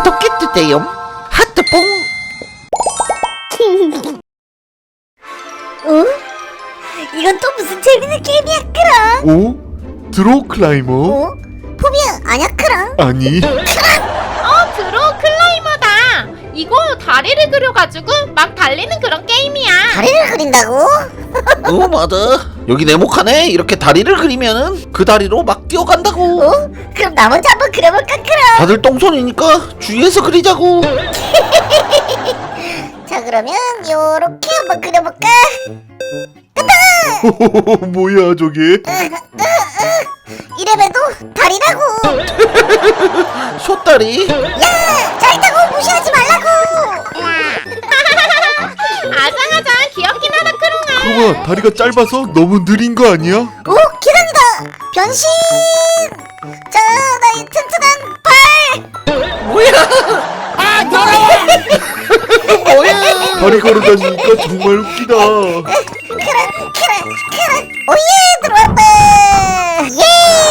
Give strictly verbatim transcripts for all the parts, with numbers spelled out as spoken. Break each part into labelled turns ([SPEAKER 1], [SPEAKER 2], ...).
[SPEAKER 1] 구독해주세요. 하트뽕.
[SPEAKER 2] 어? 이건 또 무슨 재밌는 게임이야, 크랑?
[SPEAKER 3] 오? 드로우 클라이머?
[SPEAKER 2] 어? 포비야, 아냐, 크랑?
[SPEAKER 3] 아니
[SPEAKER 4] 어, 드로우 클라이머다. 이거 다리를 그려가지고 막 달리는 그런 게임이야.
[SPEAKER 2] 다리를 그린다고?
[SPEAKER 1] 어 맞아. 여기 네모칸에 이렇게 다리를 그리면은 그 다리로 막 뛰어간다고.
[SPEAKER 2] 어? 그럼 나 먼저 한번 그려볼까, 크랑?
[SPEAKER 1] 다들 똥손이니까 주위에서 그리자고.
[SPEAKER 2] 자, 그러면 요렇게 한번 그려볼까?
[SPEAKER 3] 뭐야 저게?
[SPEAKER 2] 이래봬도 다리라고!
[SPEAKER 1] 숏다리.
[SPEAKER 2] 야! 잘다고 무시하지 말라고!
[SPEAKER 4] 아장아장 귀엽긴 하다, 크롱아.
[SPEAKER 3] 크롱아 다리가 짧아서 너무 느린 거 아니야?
[SPEAKER 2] 오! 계단이다! 변신! 자, 나의 튼튼한 발!
[SPEAKER 1] 뭐야? 아 더러워. 뭐야?
[SPEAKER 3] 다리 걸어다니니까 정말 웃기다.
[SPEAKER 2] 크랑, 크랑, 크랑! 오예! 들어왔다! 예!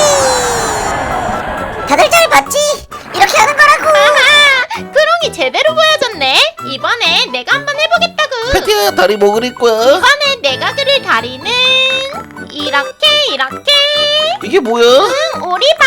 [SPEAKER 2] 다들 잘 봤지? 이렇게 하는 거라고!
[SPEAKER 4] 아하, 크롱이 제대로 보여줬네. 이번에 내가 한번 해보겠다고.
[SPEAKER 1] 패티야 다리 뭐 그릴 거야?
[SPEAKER 4] 이번에 내가 그릴 다리는 이렇게 이렇게.
[SPEAKER 1] 이게 뭐야?
[SPEAKER 4] 응, 오리발.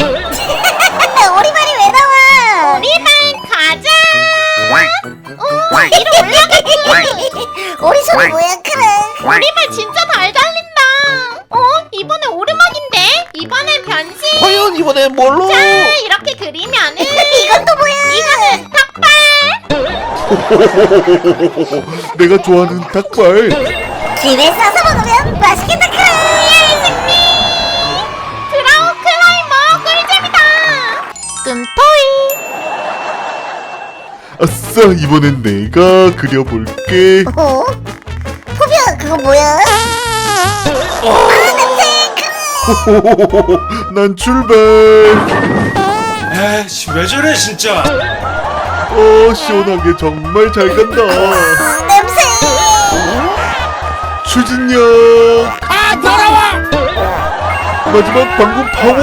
[SPEAKER 2] 오리발이 왜 나와?
[SPEAKER 4] 오리발 가자. 어, 위로 올라가고.
[SPEAKER 2] 오리손이 뭐야, 크랑?
[SPEAKER 4] 오리발 진짜 잘 달린다. 어, 이번에 오르막인데. 이번에 변신.
[SPEAKER 1] 과연 이번엔 뭘로?
[SPEAKER 4] 자, 이렇게 그리면은
[SPEAKER 2] 이건 또 뭐야?
[SPEAKER 4] 이거는 닭발.
[SPEAKER 3] 내가 좋아하는 닭발.
[SPEAKER 2] 김에 싸서 먹으면 맛있겠다, 크랑!
[SPEAKER 4] 드로우 클라이머 꿀잼이다. 끔토이.
[SPEAKER 3] 아싸 이번엔 내가 그려볼게.
[SPEAKER 2] 어? 포비야, 그거 뭐야? 아, 냄새! 크랑!
[SPEAKER 3] 난 출발.
[SPEAKER 5] 에이씨 왜 저래 진짜.
[SPEAKER 3] 어 시원하게 정말 잘 간다.
[SPEAKER 2] 아, 냄새!
[SPEAKER 3] 추진력. 아 더러워. 마지막 방금 파워.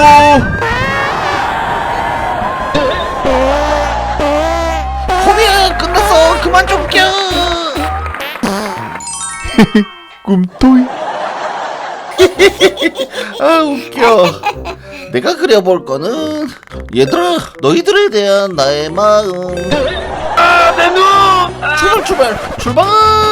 [SPEAKER 1] 포비야 끝났어. 그만 좀 껴.
[SPEAKER 3] 꿈토이.
[SPEAKER 1] 아 웃겨. 내가 그려볼 거는 얘들아 너희들에 대한 나의 마음. 아 내 눈. 출발 출발 출발.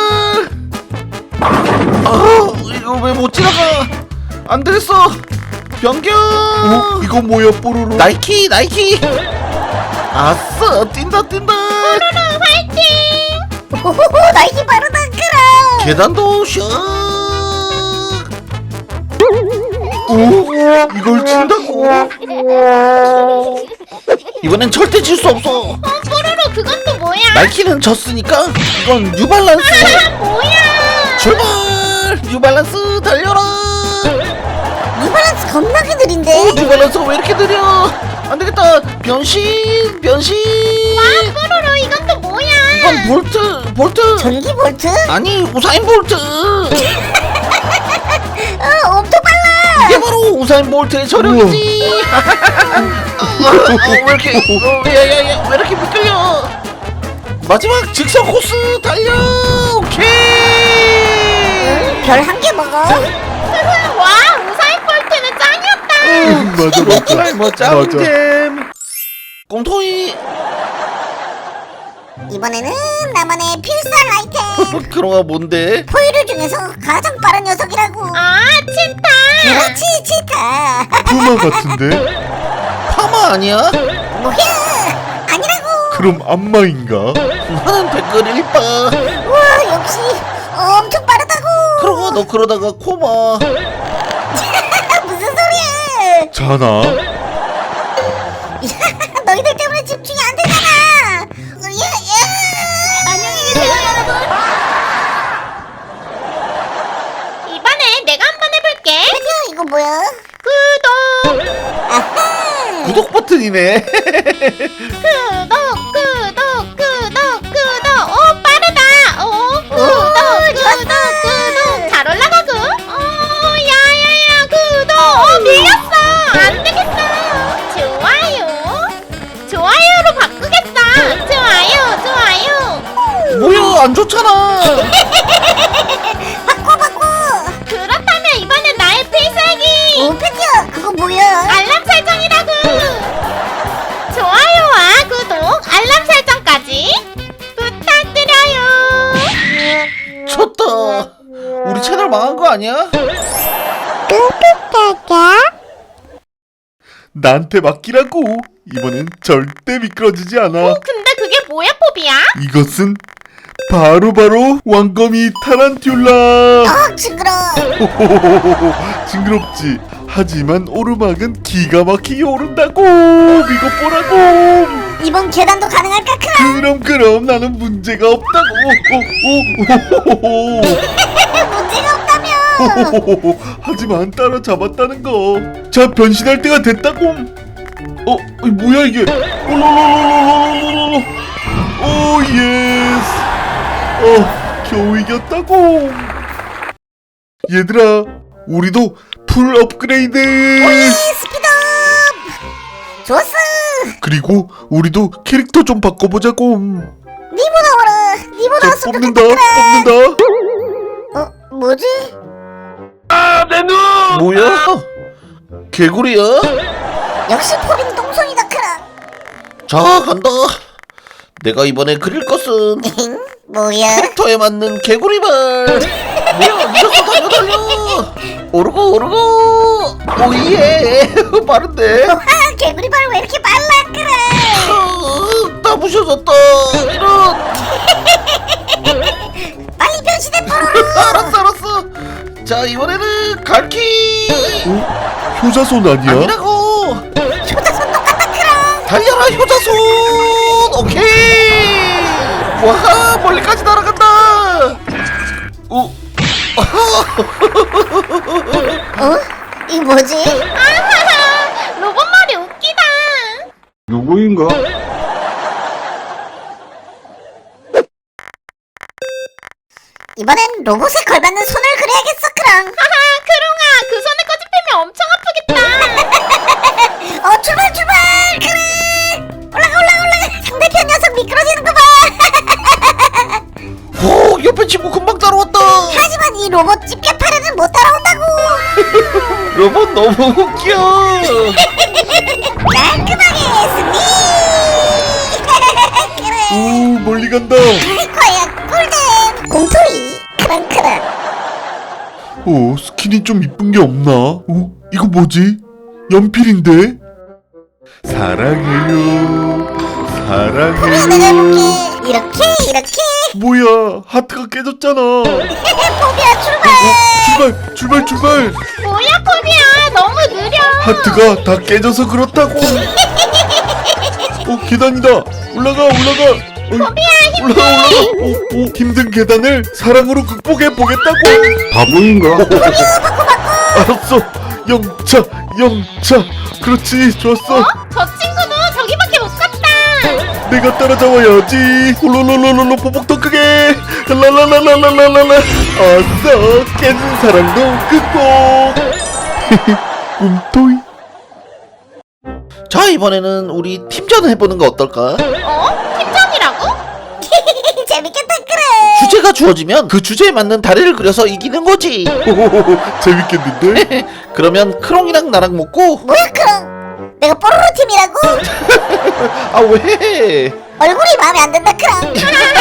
[SPEAKER 1] 아 이거 왜 못 지나가? 안 되겠어. 변경.
[SPEAKER 3] 어 이거 뭐야 뽀로로?
[SPEAKER 1] 나이키 나이키. 아싸 뛴다 뛴다.
[SPEAKER 4] 화이팅.
[SPEAKER 2] 오호호, 나이키 빠르다, 크랑!
[SPEAKER 1] 계단도 슉.
[SPEAKER 3] 오 이걸 친다고?
[SPEAKER 1] 이번엔 절대 질 수 없어.
[SPEAKER 4] 어, 뽀로로 그건 또 뭐야?
[SPEAKER 1] 나이키는 졌으니까 이건 뉴발란스.
[SPEAKER 4] 아, 뭐야?
[SPEAKER 1] 출발. 뉴발란스 달려라.
[SPEAKER 2] 뉴발란스 겁나게 느린데?
[SPEAKER 1] 뉴발란스 왜 이렇게 느려? 안 되겠다. 변신 변신.
[SPEAKER 4] 아, 뽀로로 이건 또 뭐야?
[SPEAKER 1] 이건 볼트 볼트.
[SPEAKER 2] 전기 볼트?
[SPEAKER 1] 아니 우사인 볼트.
[SPEAKER 2] 어, 엄청 빨라!
[SPEAKER 1] 이게 바로 우사인 볼트의 저력이지. 어, 어, 왜 이렇게 어, 야야야 왜 이렇게 미끌려? 마지막 직선 코스 달려. 오케이.
[SPEAKER 2] 별 한 개 먹어?
[SPEAKER 4] 와, 우사인 볼트는 짱이었다.
[SPEAKER 3] 음, 맞아 맞아.
[SPEAKER 1] 클라이머 짱잼. 꿈토이.
[SPEAKER 2] 이번에는 나만의 필살 아이템!
[SPEAKER 1] 그런가 뭔데?
[SPEAKER 2] 포유류 중에서 가장 빠른 녀석이라고!
[SPEAKER 4] 아, 치타.
[SPEAKER 2] 그렇지, 치타!
[SPEAKER 3] 푸마 같은데?
[SPEAKER 1] 파마 아니야?
[SPEAKER 2] 뭐야! 아니라고!
[SPEAKER 3] 그럼 안마인가?
[SPEAKER 1] 나는 댓글 일빠.
[SPEAKER 2] 우와, 역시 엄청 빠르다고!
[SPEAKER 1] 그러고 너 그러다가 코마.
[SPEAKER 2] 무슨 소리야!
[SPEAKER 3] 자나?
[SPEAKER 2] 너희들 때문에 집중이 안 되잖아! 예, 예. 안녕히 계세요, 여러분!
[SPEAKER 4] 이번에 내가 한번 해볼게.
[SPEAKER 2] 혜지야, 이거 뭐야?
[SPEAKER 4] 구독.
[SPEAKER 2] 아하!
[SPEAKER 1] 구독 버튼이네.
[SPEAKER 4] 구독, 구독, 구독, 구독. 오, 빠르다. 오, 구독,
[SPEAKER 2] 좋았어.
[SPEAKER 4] 구독, 구독. 잘 올라가고. 오, 야야야, 구독. 어, 밀렸어. 안 되겠어. 좋아요. 좋아요로 바꾸겠어.
[SPEAKER 1] 안 좋잖아.
[SPEAKER 2] 바꿔 바꿔.
[SPEAKER 4] 그렇다면 이번엔 나의 필살기
[SPEAKER 2] 오 패티야 그거 뭐야?
[SPEAKER 4] 알람 설정이라고. 좋아요와 구독, 알람 설정까지 부탁드려요.
[SPEAKER 1] 쳤다. 우리 채널 망한 거 아니야?
[SPEAKER 3] 나한테 맡기라고. 이번엔 절대 미끄러지지 않아.
[SPEAKER 4] 근데 그게 뭐야, 포비야?
[SPEAKER 3] 이것은 바로바로 왕거미 타란툴라.
[SPEAKER 2] 아 징그러.
[SPEAKER 3] 호호호호호, 징그럽지. 하지만 오르막은 기가 막히게 오른다고. 이거 보라고.
[SPEAKER 2] 이번 계단도 가능할까 크랑?
[SPEAKER 3] 그럼 그럼 나는 문제가 없다고. 오오오오오오.
[SPEAKER 2] 문제가 없다며.
[SPEAKER 3] 호호호호. 하지만 따라잡았다는 거. 자, 변신할 때가 됐다고. 어, 이 뭐야 이게? 올로로로로로로로로. 오 예스. 어, 겨우 이겼다고. 얘들아, 우리도 풀 업그레이드.
[SPEAKER 2] 오예 스피드업. 좋았어.
[SPEAKER 3] 그리고 우리도 캐릭터 좀 바꿔보자고.
[SPEAKER 2] 니모 나와라. 니모
[SPEAKER 3] 자,
[SPEAKER 2] 나왔으면
[SPEAKER 3] 뽑는다,
[SPEAKER 2] 좋겠다.
[SPEAKER 3] 뽑는다.
[SPEAKER 2] 어 뭐지?
[SPEAKER 1] 뭐야? 개구리야?
[SPEAKER 2] 역시 포비는 똥손이다 크랑.
[SPEAKER 1] 자, 간다. 내가 이번에 그릴 것은
[SPEAKER 2] 뭐야?
[SPEAKER 1] 캐릭터에 맞는 개구리발. 뭐야, 미쳤어. 달려 달려. 오르고 오르고. 오예. 빠른데.
[SPEAKER 2] 와 개구리발 왜 이렇게 빨라 크랑?
[SPEAKER 1] 어, 나 부셔졌다. 이런.
[SPEAKER 2] 빨리 변신해 뽀로로.
[SPEAKER 1] 알았어 알았어. 자, 이번에는 갈키.
[SPEAKER 3] 어? 효자손 아니야?
[SPEAKER 1] 아니라고.
[SPEAKER 2] 효자손 똑같다 크랑.
[SPEAKER 1] 달려라 효자손. 오케이. 와, 멀리까지 날아간다. 오.
[SPEAKER 2] 어? 이거 뭐지?
[SPEAKER 4] 아하하, 로봇말이 웃기다.
[SPEAKER 3] 누구인가?
[SPEAKER 2] 이번엔 로봇에 걸맞는 손을 그려야겠어 크랑.
[SPEAKER 4] 하하, 크롱아, 그 손에 꼬집히면 엄청 아프겠다.
[SPEAKER 2] 어 출발 출발 크랑. 올라가 올라가 올라가. 상대편 녀석 미끄러지는 거 봐.
[SPEAKER 1] 오, 옆에 친구 금방 따라왔다.
[SPEAKER 2] 하지만 이 로봇 집게 파래는 못 따라온다고.
[SPEAKER 1] 로봇 너무 웃겨.
[SPEAKER 2] 깔끔하게 승리. 그래.
[SPEAKER 3] 오, 멀리 간다.
[SPEAKER 2] 과연 꿀잼. 공토이 크랑크랑.
[SPEAKER 3] 어, 스킨이 좀 이쁜 게 없나? 어, 이거 뭐지? 연필인데? 사랑해요.
[SPEAKER 2] 내가
[SPEAKER 3] 사랑해요.
[SPEAKER 2] 해볼게. 이렇게 이렇게.
[SPEAKER 3] 뭐야, 하트가 깨졌잖아. 어,
[SPEAKER 2] 포비야 출발.
[SPEAKER 3] 출발, 출발, 출발.
[SPEAKER 4] 뭐야, 포비야, 너무 느려.
[SPEAKER 3] 하트가 다 깨져서 그렇다고. 어, 계단이다. 올라가, 올라가. 어이,
[SPEAKER 4] 포비야, 힘내.
[SPEAKER 3] 올라가, 올라가. 오, 오, 힘든 계단을 사랑으로 극복해 보겠다고. 바보인가? 알았어. 영차, 영차. 그렇지, 좋았어.
[SPEAKER 4] 어? 저 친구도 저기밖에 못 갔다.
[SPEAKER 3] 내가 따라잡아야지. 홀로로로로로 보복 더 크게. 랄랄랄랄랄랄랄라. 아싸, 깨진 사랑도 극복. 꿈토이.
[SPEAKER 1] 자, 이번에는 우리 팀전 해보는 거 어떨까?
[SPEAKER 4] 어? 팀전이라고?
[SPEAKER 2] 재밌겠다 그래.
[SPEAKER 1] 주제가 주어지면 그 주제에 맞는 다리를 그려서 이기는 거지.
[SPEAKER 3] 호호호호, 재밌겠는데?
[SPEAKER 1] 그러면 크롱이랑 나랑 먹고.
[SPEAKER 2] 뭐야 크랑? 내가 뽀로로 팀이라고?
[SPEAKER 1] 아, 왜?
[SPEAKER 2] 얼굴이 마음에 안 든다 크랑.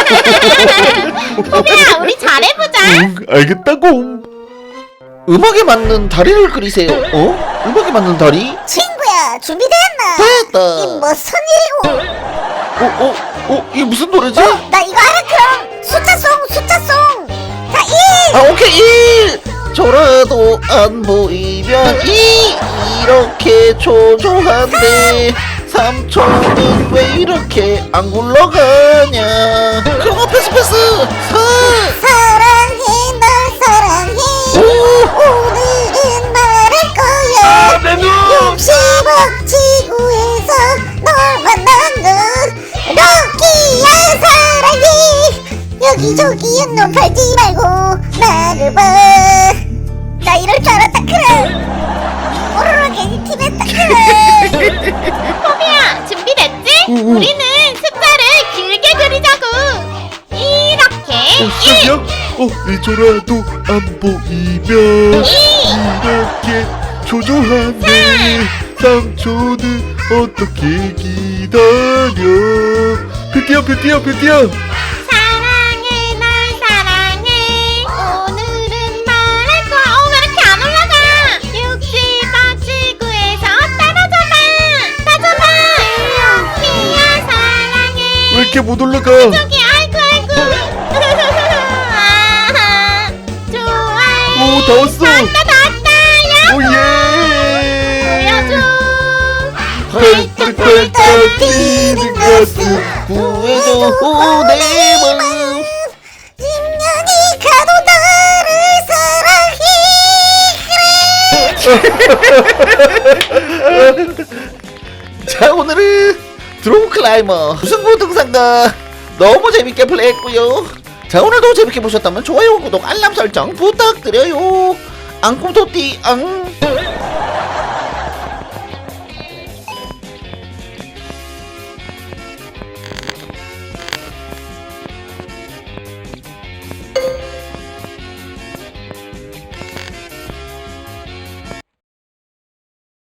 [SPEAKER 4] 포비야, 우리 잘해보자.
[SPEAKER 3] 응, 알겠다고.
[SPEAKER 1] 음악에 맞는 다리를 그리세요. 어? 음악에 맞는 다리?
[SPEAKER 2] 친구야 준비됐나?
[SPEAKER 1] 됐다.
[SPEAKER 2] 이 무슨 일이고?
[SPEAKER 1] 어, 어, 어, 이게 무슨 노래지?
[SPEAKER 2] 나 이거 알아 크랑. 숫자송 숫자송. 자 일.
[SPEAKER 1] 아, 오케이. 일. 저라도 안 보이면 이. 이렇게 초조한데 삼촌은 왜 이렇게 안 굴러가냐. 그럼 패스 패스. 사.
[SPEAKER 2] 사랑해 널 사랑해.
[SPEAKER 1] 오.
[SPEAKER 2] 오늘은 말할 거야.
[SPEAKER 1] 내 눈.
[SPEAKER 2] 육십억 지구에서 널 만난 건 럭키야 사랑해. 여기저기 눈 팔지 말고 나를 봐. 나 이럴 줄 알았다 크랑. 뽀로로 괜히 팀했다 크랑.
[SPEAKER 4] 포비야, 준비됐지?
[SPEAKER 3] 응, 응.
[SPEAKER 4] 우리는 숫자를 길게 그리자고. 이렇게
[SPEAKER 3] 어 잊어라도 안 보이면 이렇게 초조한데 삼촌은 어떻게 기다려. 뷰티야 뷰티야 뷰티야.
[SPEAKER 4] 사랑해 널 사랑해 오늘은 말할 거야. 어 왜 이렇게 안 올라가? 육지바 지구에서 떨어져봐 떨어져봐. 뷰티야 사랑해.
[SPEAKER 3] 왜 이렇게 못 올라가?
[SPEAKER 4] 저기 아이고 아이고. 아하, 좋아해.
[SPEAKER 3] 오 다 왔어.
[SPEAKER 4] 나왔다 나왔다. 야
[SPEAKER 3] 오예.
[SPEAKER 4] 보여줘.
[SPEAKER 3] 펄펄펄 뛰는 가슴
[SPEAKER 1] 구해줘 내 마음.
[SPEAKER 2] 인연이 가도 나를 사랑해.
[SPEAKER 1] 자 오늘은 드로우 클라이머 무승부 등산가 너무 재밌게 플레이했고요. 자 오늘도 재밌게 보셨다면 좋아요 구독 알람 설정 부탁드려요. 앙꿈토띠 앙.